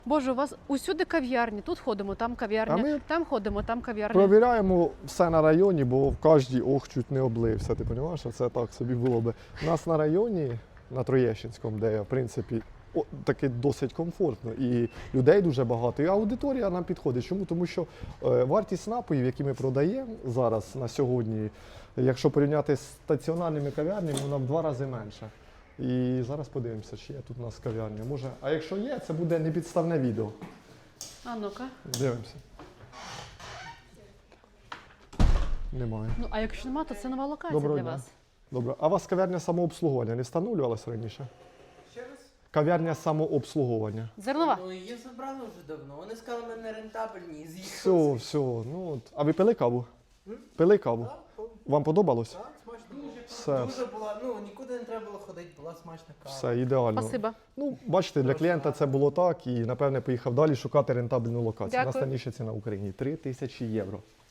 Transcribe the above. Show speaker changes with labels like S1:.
S1: Боже, у вас усюди кав'ярні. Тут ходимо, там кав'ярня,
S2: А ми
S1: там ходимо, там кав'ярня.
S2: Провіряємо все на районі, бо в кожній чуть не облився. Ти розумієш, це так собі було би. У нас на районі, на Троєщинському, де я, в принципі, таки досить комфортно. І людей дуже багато, і аудиторія нам підходить. Чому? Тому що вартість напоїв, які ми продаємо зараз на сьогодні, якщо порівняти з стаціонарними кав'ярнями, вона в 2 рази менша. І зараз подивимося, чи є тут у нас кав'ярня. Може, а якщо є, це буде непідставне відео.
S1: А ну-ка.
S2: Дивимося. Немає.
S1: Ну, а якщо нема, то це нова локація
S2: Доброго
S1: для
S2: дня.
S1: вас.
S2: Добре. А у вас кав'ярня самообслуговування не встановлювалася раніше?
S3: Ще раз?
S2: Кав'ярня самообслуговування.
S1: Зернова.
S3: Ну, її забрали вже давно. Вони сказали, ми не рентабельні, і
S2: Все,
S3: з'їхали.
S2: все. Ну, от. А ви пили каву? Пили каву? Вам подобалось?
S3: Так, смачно було.
S2: Все.
S3: Дуже була, ну, нікуди не треба було ходити, була смачна кава.
S2: Все, ідеально.
S1: Спасибо.
S2: Ну, бачите, для клієнта це було так і, напевне, поїхав далі шукати рентабельну локацію. У нас
S1: Дякую.
S2: найнижча ціна в Україні – 3000 євро.